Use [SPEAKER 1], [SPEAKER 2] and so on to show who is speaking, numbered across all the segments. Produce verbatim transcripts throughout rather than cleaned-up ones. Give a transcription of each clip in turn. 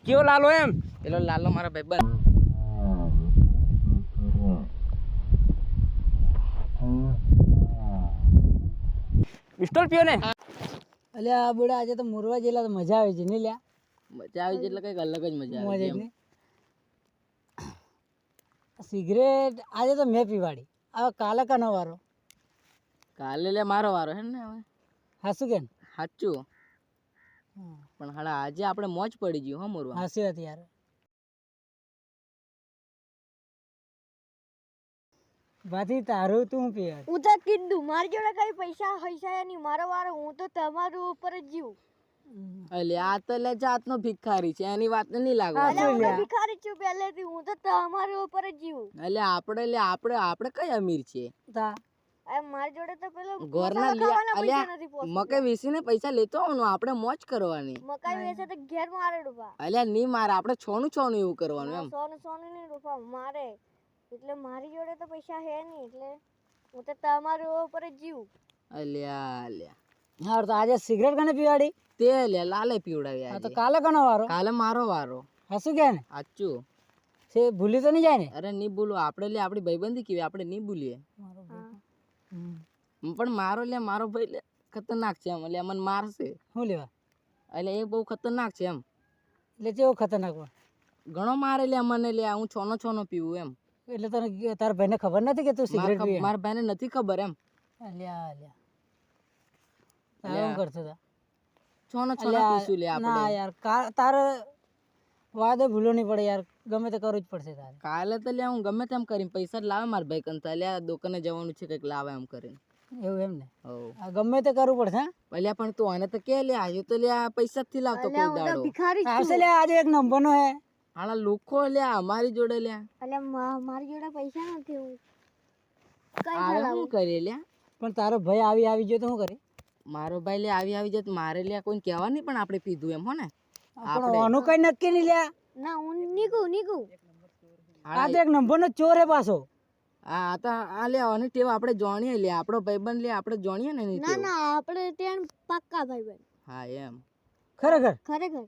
[SPEAKER 1] કેવો લાલો એમ?
[SPEAKER 2] પેલો લાલો મારા ભાઈબંધ.
[SPEAKER 1] પિસ્તોલ પીયો ને?
[SPEAKER 3] અલ્યા બોડા આજે તો મોરવા જેલા તો મજા આવે છે ને લ્યા.
[SPEAKER 2] મજા આવી છે એટલે કંઈક અલગ જ મજા આવે છે એમ.
[SPEAKER 3] સિગરેટ આજે તો મેં પીવાડી. હવે કાલે કનો વારો?
[SPEAKER 2] કાલે લે મારો વારો હે ને હવે.
[SPEAKER 3] હાસુ કેમ?
[SPEAKER 2] સાચું. પણ હાડા આજે આપણે મોજ પડી ગયું હો મોરવા.
[SPEAKER 3] હાસી વાત યાર. બાથી તારું તું પીવે.
[SPEAKER 4] હું તો કીધું મારી જોડે કઈ પૈસા હૈસા નહીં, મારો વારો, હું તો તમારું ઉપર જ જીવું.
[SPEAKER 2] એટલે આ તો લે જાતનો ભિખારી છે, એની વાત નહીં લાગવા.
[SPEAKER 3] હા,
[SPEAKER 4] હું તો ભિખારી છું પહેલેથી, હું તો તમારું ઉપર જ જીવું.
[SPEAKER 2] એટલે આપણે લે આપણે આપણે કઈ અમીર છીએ?
[SPEAKER 3] તા
[SPEAKER 4] અરે મારી જોડે તો પેલો
[SPEAKER 2] ઘરના
[SPEAKER 4] મસાલા ખાવાના પૈસા
[SPEAKER 2] અલ્યા
[SPEAKER 4] નથી પહોંચતા.
[SPEAKER 2] મકાઈ વેચીને પૈસા લેતો આવવાનું, આપણે મોજ કરવાની.
[SPEAKER 4] મકાઈ વેચે તો ઘેર મારે ડૂબા.
[SPEAKER 2] અલ્યા નહીં મારે, આપણે છોનું છોનું એવું કરવાનું એમ.
[SPEAKER 4] સોનું સોનું નહીં ડૂબા મારે. એટલે મારી જોડે તો પૈસા હે નહીં, એટલે હું તો તમારું ઉપર જ જીવું.
[SPEAKER 2] અલ્યા અલ્યા
[SPEAKER 3] હા તો આજે સિગરેટ કને પીવાડી?
[SPEAKER 2] તે લે લાલે પીવડાવી
[SPEAKER 3] હા
[SPEAKER 2] આજે.
[SPEAKER 3] તો કાલે કનો વારો?
[SPEAKER 2] કાલે મારો વારો.
[SPEAKER 3] હાસુ કે ને?
[SPEAKER 2] સાચું.
[SPEAKER 3] છે ભૂલી તો નહીં જાય ને?
[SPEAKER 2] અરે નહીં ભૂલો, આપણે લે આપણી ભાઈબંધી કેવી, આપણે નહીં ભૂલીએ. પણ મારો લે મારો ભાઈ લે ખતરનાક છે એમ. એટલે મને મારશે.
[SPEAKER 3] શું લેવા?
[SPEAKER 2] એટલે એ બહુ ખતરનાક છે એમ.
[SPEAKER 3] એટલે કેવો ખતરનાક હોય?
[SPEAKER 2] ઘણો મારે લે મને લે, હું છોનો છોનો પીવું એમ.
[SPEAKER 3] એટલે તને તારા ભાઈને ખબર નથી કે તું સિગરેટ પીવે?
[SPEAKER 2] મારા ભાઈને નથી ખબર એમ.
[SPEAKER 3] અલ્યા અલ્યા તારે શું કરતો હતા?
[SPEAKER 2] છોનો છોનો પીશું લે આપણે.
[SPEAKER 3] ના યાર કા- તારે વાદે ભૂલો નહીં પડે યાર, ગમે તે કરવું જ પડશે તારે.
[SPEAKER 2] કાલે તો લે હું ગમે તેમ કરીને પૈસા જ લાવે મારા ભાઈ કંતા લે, દુકાને જવાનું છે કંઈક લાવે એમ કરીને.
[SPEAKER 3] એવું એમ ને?
[SPEAKER 2] હવ
[SPEAKER 3] આ ગમે તે કરવું પડશે હા?
[SPEAKER 2] અલ્યા પણ તું આને તો કે લે આજે તો લે પૈસા જ થી લાવતો કોઈ
[SPEAKER 4] હું તો
[SPEAKER 2] દાડો.
[SPEAKER 4] ભિખારી છું.
[SPEAKER 3] આવશે લે આજે એક નંબરનો હે.
[SPEAKER 2] હાલા લોકો લે અમારી જોડે લે
[SPEAKER 4] એટલે મા- મારી જોડે પૈસા નથી, હું કઈ
[SPEAKER 2] આવે
[SPEAKER 4] ચલાવું?
[SPEAKER 2] શું કરીએ લે.
[SPEAKER 3] પણ તારો ભાઈ આવી આવી ગયો તો શું કરે?
[SPEAKER 2] મારો ભાઈ લે આવી આવી જત મારે લે કોઈ કહેવા નહીં, પણ આપણે પીધું એમ હો ને.
[SPEAKER 3] પણ આનું કઈ નક્કી નહીં લ્યા.
[SPEAKER 4] ના હું નીકળું નીકળું.
[SPEAKER 3] આ તો એક નંબરનો ચોર હે પાછો.
[SPEAKER 2] આ તો આ લે આની ટેવ આપણે જાણીએ લે, આપણો ભાઈબંધ લે આપણે જાણીએ ને એની
[SPEAKER 4] ના
[SPEAKER 2] ટેવ.
[SPEAKER 4] ના આપણે ત્યાં પાક્કા ભાઈ બન.
[SPEAKER 2] હા એમ.
[SPEAKER 3] ખરેખર
[SPEAKER 4] ખરેખર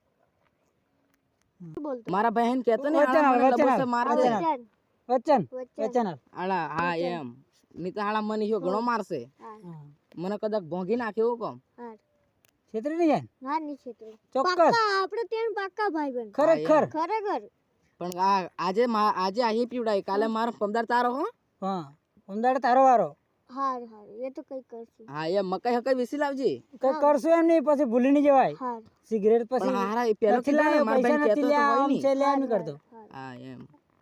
[SPEAKER 4] બોલતો
[SPEAKER 2] મારા ભાઈ ને કહેતો ને
[SPEAKER 3] વચન
[SPEAKER 2] હાલા મને
[SPEAKER 3] આપ, વચન
[SPEAKER 2] લબોસે
[SPEAKER 3] આપ,
[SPEAKER 2] મારે
[SPEAKER 3] વચન
[SPEAKER 2] છે.
[SPEAKER 3] આપ.
[SPEAKER 4] વચન
[SPEAKER 3] વચન વચન આપ.
[SPEAKER 2] હાલા હા એમ. નહીં તો હાલા મને ઈયો ઘણો મારશે.
[SPEAKER 4] હા
[SPEAKER 3] હા.
[SPEAKER 2] મને કદાચ ભોંગી નાખે એવું કોમ.
[SPEAKER 4] હા
[SPEAKER 3] છેતરી નહીં જાય ને?
[SPEAKER 4] ના નહીં છેતરો.
[SPEAKER 3] ચોક્કસ
[SPEAKER 4] પાક્કા આપણે ત્યાં પાક્કા ભાઈ બન.
[SPEAKER 3] ખરેખર.
[SPEAKER 4] ખરેખર
[SPEAKER 2] પણ આ આજે મા- આજે અહીં પીવડાય, કાલે મારો પમદાર તારો હો.
[SPEAKER 3] હા અમદાવાદ તારો વારો.
[SPEAKER 4] હાર હાર એ તો કઈ કરશું.
[SPEAKER 2] હા એમ મકાઈ હકાઈ વિસી લાવજે.
[SPEAKER 3] કઈ કરશું એમ નહીં, પછી ભૂલી નહીં જવાય.
[SPEAKER 4] હાર
[SPEAKER 3] સિગરેટ
[SPEAKER 2] પણ
[SPEAKER 3] પછી
[SPEAKER 2] હારા એ પેલો
[SPEAKER 3] નથી
[SPEAKER 2] કીધું ને,
[SPEAKER 3] લાવ્યો,
[SPEAKER 2] મારા
[SPEAKER 3] પૈસા
[SPEAKER 2] ભાઈને
[SPEAKER 3] નથી
[SPEAKER 2] કહેતો તો
[SPEAKER 3] લ્યા,
[SPEAKER 2] હોય
[SPEAKER 3] આમ
[SPEAKER 2] નહીં.
[SPEAKER 3] છે લ્યા, એમ કરતો.
[SPEAKER 2] હા એમ.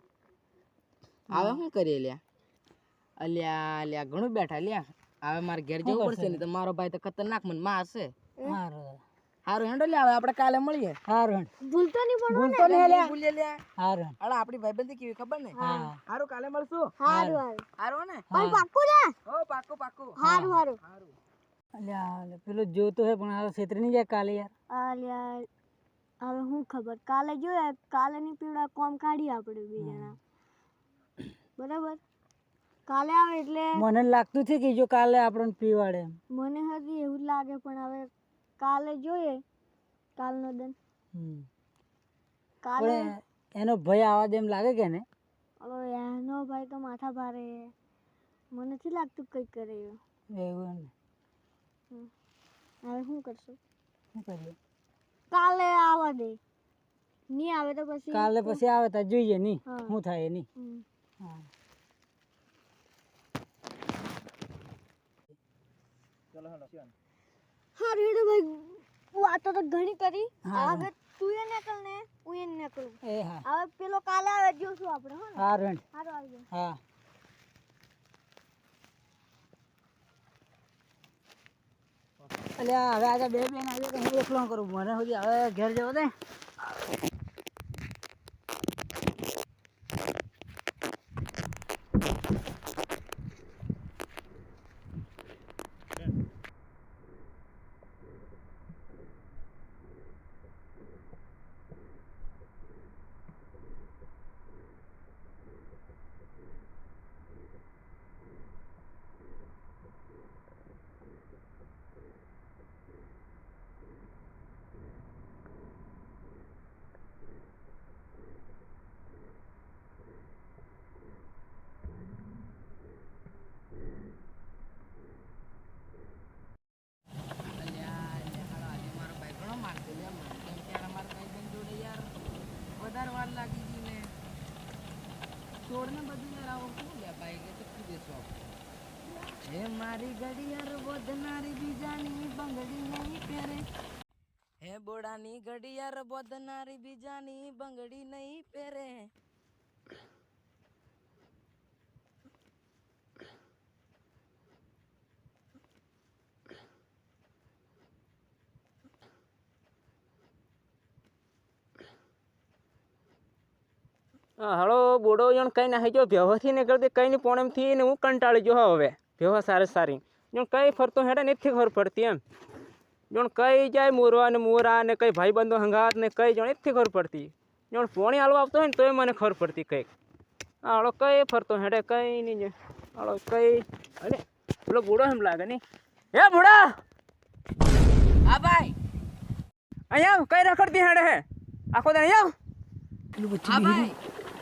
[SPEAKER 2] હવે શું કરીએ લ્યા? અલ્યા અલ્યા ઘણું બેઠા લ્યા. હવે મારે ઘેર જવું પડશે ને, તો મારો ભાઈ તો ખતરનાક મને મારશે.
[SPEAKER 3] હારું
[SPEAKER 2] હારું હેંડો લે, હવે આપણે કાલે મળીએ.
[SPEAKER 3] હારું
[SPEAKER 4] ભૂલતો નહીં પણ.
[SPEAKER 3] ભૂલતો નહીં લ્યા.
[SPEAKER 2] ભૂલીએ લ્યા.
[SPEAKER 3] હારું
[SPEAKER 2] હાલા આપણી ભાઈબંધી કેવી ખબર ને.
[SPEAKER 3] હા.
[SPEAKER 2] હારું કાલે મળશું.
[SPEAKER 4] હારું હારું
[SPEAKER 2] હારું ને?
[SPEAKER 4] પણ પાક્કું ને.
[SPEAKER 2] હો પાક્કું પાક્કું.
[SPEAKER 4] હારું હારું.
[SPEAKER 3] અલ્યા અલ્યા, પેલો જોતો હે પણ હારો છેતરી નહીં જાય કાલે યાર.
[SPEAKER 4] અલ્યા હવે હું ખબર, કાલે જોઈએ, કાલે ની પીવડા કોમ કાઢી આપણે બે જણા. બરાબર કાલે આવે એટલે
[SPEAKER 3] મને લાગતું છે કે જો કાલે આપણને પીવાડે એમ.
[SPEAKER 4] મને હજી એવું જ લાગે, પણ હવે કાલે જોઈએ કાલનો દન.
[SPEAKER 3] હમ.
[SPEAKER 4] કાલે
[SPEAKER 3] પણ એનો ભય આવા દે એમ લાગે કે ને?
[SPEAKER 4] હવે એનો ભાઈ તો માથા ભારે, મને નથી લાગતું કંઈક કરે એવો.
[SPEAKER 3] એવું એમ ને?
[SPEAKER 4] હમ. હવે શું કરશું?
[SPEAKER 3] શું કરીએ?
[SPEAKER 4] કાલે આવવા દે, નહીં આવે તો પછી
[SPEAKER 3] કાલે પછી આવે તો જોઈએ નહીં
[SPEAKER 4] હા.
[SPEAKER 3] શું થાય નહીં.
[SPEAKER 4] હમ.
[SPEAKER 3] હા.
[SPEAKER 4] હા રેડો ભાઈ, વાતો તો ઘણી કરી.
[SPEAKER 3] હા.
[SPEAKER 4] હવે તું એ નીકળ ને હું એ નીકળું.
[SPEAKER 3] એ હા
[SPEAKER 4] હવે પેલો કાલે આવે જોશું આપણે. હો ને
[SPEAKER 3] હારું હેંડ.
[SPEAKER 4] સારું આવી જાય.
[SPEAKER 3] હા. અલ્યા હવે આજે બે બેન આવી તો હું એકલો કરું, મને સુધી હવે ઘેર જવો દે.
[SPEAKER 2] બોડાની ઘડિયાળ બોધનારી બીજાની બંગડી નહીં પહેરે હે બોડાની ઘડિયાળ બોધનારી બીજાની બંગડી નહીં પહેરે
[SPEAKER 1] હળો બોડો જણ કઈ નાખી જો વ્યવહારથી નીકળતી કઈ ની પોણમથી ને હું કંટાળી જો હવે વ્યવહાર સારી સારી જણ કઈ ફરતો હેડે નથી ખબર પડતી એમ જણ કઈ જાય મોરવા ને મોરા ને કઈ ભાઈ બંધો હંગાત ને કઈ જણ નથી ખબર પડતી જણ પોણી હાલવા આવતો હોય ને તોય મને ખબર પડતી કંઈક હળો કઈ ફરતો હેડે કઈ નહીં હળો કઈ અરે પેલો બુડો એમ લાગે નહીં હે બુડા
[SPEAKER 2] હા ભાઈ
[SPEAKER 1] અહીંયા કઈ રખડતી હેડે હે આખો દે અહીંયા
[SPEAKER 2] હા ભાઈ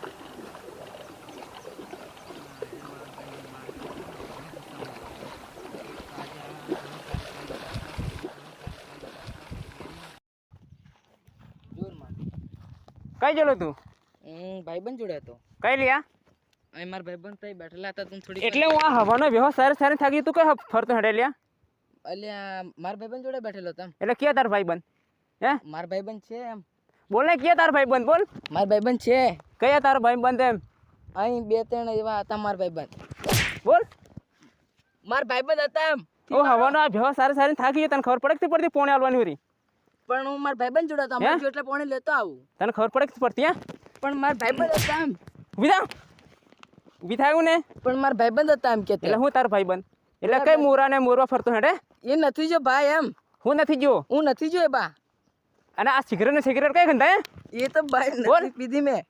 [SPEAKER 1] કઈ ગયેલો તું
[SPEAKER 2] હું ભાઈબંધ જોડે હતો
[SPEAKER 1] કઈ લ્યા
[SPEAKER 2] અહીં મારા ભાઈબંધ તઈ બેઠેલા હતા તું થોડી
[SPEAKER 1] એટલે હું આ હવાનો વ્યવહાર સારી સારી થાકી તું કઈ ફરતો હેડે લ્યા
[SPEAKER 2] અલ્યા મારા ભાઈબંધ જોડે બેઠેલો હતો એમ
[SPEAKER 1] એટલે ક્યાં તાર ભાઈબંધ હે
[SPEAKER 2] મારા ભાઈબંધ છે એમ
[SPEAKER 1] બોલ ને ક્યાં તાર ભાઈબંધ બોલ
[SPEAKER 2] મારા ભાઈબંધ છે
[SPEAKER 1] કયા તાર ભાઈબંધ એમ
[SPEAKER 2] અહીં બે ત્રણ એવા હતા મારા ભાઈબંધ
[SPEAKER 1] બોલ
[SPEAKER 2] મારા ભાઈબંધ હતા એમ
[SPEAKER 1] ઓ હવાનો આ વ્યવહાર સારી સારી થાકી તને ખબર પડે કે પડતી પોણે હાલવાની હોરી
[SPEAKER 2] પણ હું મારા ભાઈબંધ જોડે હતો અમારે એટલે પોણે લેતો આવું
[SPEAKER 1] તને ખબર પડે કે પડતી હે
[SPEAKER 2] પણ મારા ભાઈબંધ હતા એમ
[SPEAKER 1] ઊભી થા ઊભી થાયું ને
[SPEAKER 2] પણ મારા ભાઈબંધ હતા એમ કે
[SPEAKER 1] એટલે હું તાર ભાઈબંધ એટલે કઈ મોરા ને મોરવા ફરતો હેડે
[SPEAKER 2] એ નથી જો ભાઈ એમ
[SPEAKER 1] હું નથી જો
[SPEAKER 2] હું નથી જો એ બા
[SPEAKER 1] અને આ સિગરેટ ને સિગરેટ કઈ ખંધા હે
[SPEAKER 2] એ તો ભાઈ
[SPEAKER 1] બોલ.
[SPEAKER 2] નથી પીધી મેં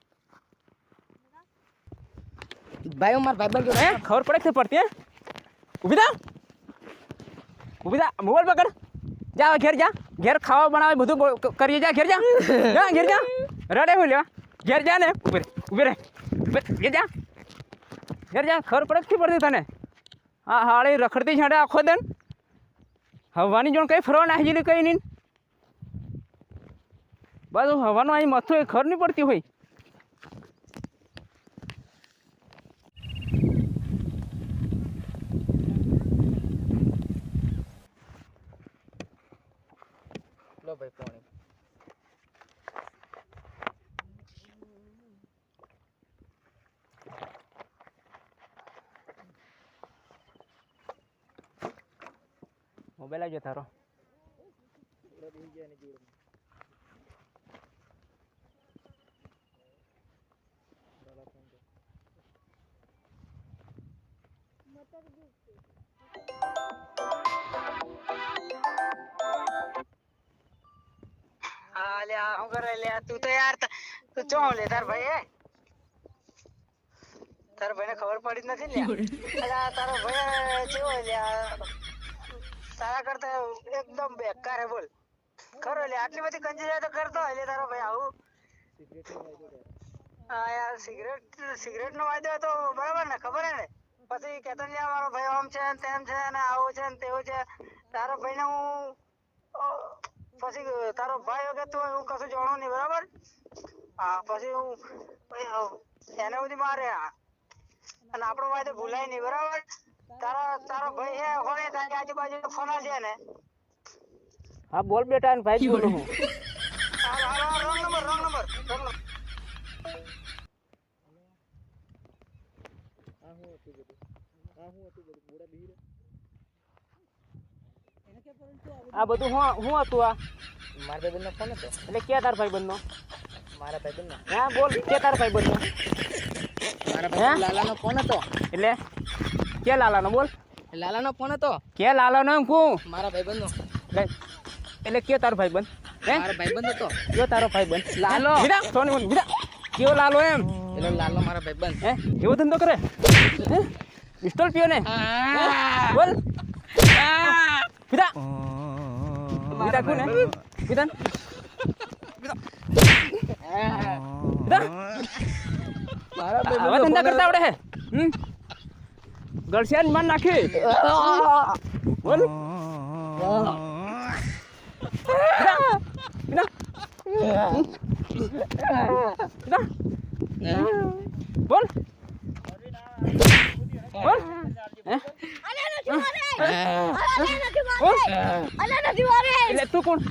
[SPEAKER 2] ભાઈ હું મારા ભાઈબંધ જોડે
[SPEAKER 1] હે ખબર પડે કે પડતી હે ઊભી થા ઊભી થા મોબાઈલ પકડ જા ઘેર જા ઘેર ખાવા બનાવે બધું બ- કરીએ જા ઘેર જા જા ઘેર જા રડે હું લેવા ઘેર જા ને ઉભી રે ઉભી રે ઉભી રે. ઘેર જા ઘેર જા ખબર પડે કે પડતી તને હા હાળી રખડતી છાડે આખો દન હવાની જોણ કઈ ફરવા નાખી જેલી કઈ નહીં બસ હવાનું અહીં મથું એ ખબર નહીં પડતી હોય
[SPEAKER 2] લો ભાઈ પોણી
[SPEAKER 1] મોબાઈલ આવજો તારો
[SPEAKER 3] હા લ્યા હું કરે લ્યા તું તો યાર ત- તું ચો લે તાર ભાઈ હે તાર ભાઈને ખબર પડી જ નથી લ્યા અલા તારો ભાઈ કેવો લ્યા તારા કરતા એકદમ બેકાર હે બોલ ખરો લ્યા આટલી બધી કંજરી તો કરતો હોય લે તારો ભાઈ આવું હા યાર સિગરેટ સિગરેટ નો વાયદો હતો બરાબર ને ખબર હે ને પછી કેતો ને લ્યા મારો ભાઈ આમ છે ને તેમ છે ને આવું છે ને તેવું છે તારો ભાઈને હું અ, પછી તારો ભાઈ વગર તું હું કશું જાણું નહીં બરાબર હા પછી હું પછી હું એને બધી મારે આ. અને આપણો વાયદો ભૂલાય નહીં બરાબર તારા તારો ભાઈ હે હોય તારી આજુબાજુ ફોના છે ને
[SPEAKER 1] હા બોલ બેટા અને ભાઈ બોલું હું
[SPEAKER 3] hello hello wrong number wrong number wrong number
[SPEAKER 1] આ બધું હું હું હતું આ
[SPEAKER 2] મારા ભાઈબંધનો ફોન હતો
[SPEAKER 1] એટલે ક્યાં તાર ભાઈ બંધનો
[SPEAKER 2] મારા ભાઈબંધનો
[SPEAKER 1] હા બોલ ક્યાં તાર ભાઈ બંધનો
[SPEAKER 2] મારા ભાઈ લાલાનો ફોન હતો
[SPEAKER 1] એટલે ક્યાં લાલાનો બોલ
[SPEAKER 2] લાલાનો ફોન હતો
[SPEAKER 1] ક્યાં લાલાનો એમ કહું
[SPEAKER 2] મારા ભાઈબંધનો
[SPEAKER 1] લે એટલે કયો તારો ભાઈ બંધ હે
[SPEAKER 2] મારા ભાઈબંધ હતો
[SPEAKER 1] કયો તારો ભાઈ બંધ
[SPEAKER 2] લાલો.
[SPEAKER 1] વિરા સોની બોલ વિરા કયો લાલો એમ
[SPEAKER 2] પેલો લાલો મારા ભાઈબંધ
[SPEAKER 1] હે એવો ધંધો કરે હે પિસ્તોલ પીયો ને હે? બોલ વિરા વિરા કોણ હે વિરાન વિરા
[SPEAKER 2] મારા
[SPEAKER 1] આવા ધંધા કરતા આવડે હે હમ ગળસિયાન માન નાખી બોલ વિરા વિરા વિરા બોલ બોલ હે બોલ એટલે તું કોણ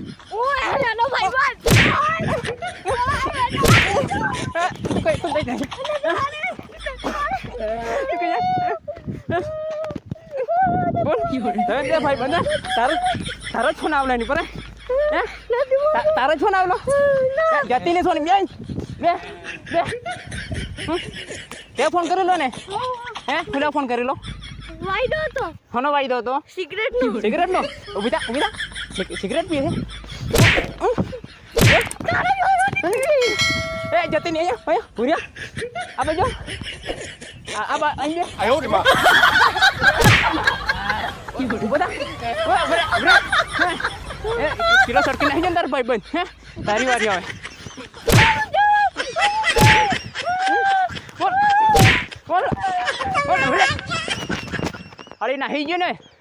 [SPEAKER 1] તું કઈ તું કઈ જાય તું કઈ જાય બોલ હવે દે ભાઈ બંધ તારો તારો છો ના આવલા ની પર હે તારો છો ના આવલો જતી ને સોની બે બે બે તે ફોન કરી લો ને હે ખુલા ફોન કરી લો
[SPEAKER 4] વાયદો હતો
[SPEAKER 1] હોનો વાયદો હતો
[SPEAKER 4] સિગરેટ નો
[SPEAKER 1] સિગરેટ નો ઉભી થા ઉભી થા સિગરેટ પીએ છે એ જતી ને અહીંયા અહીંયા ભૂર્યા આ બાજુ આ આ બા અહીં આયો રે માં ઉભા થા ઉભા ઉભા એ કિલો સરકી નહીં જંદર ભાઈ બંધ હે તારી વારી આવે બોલ બોલ બોલ અરે નહીં ગયો ને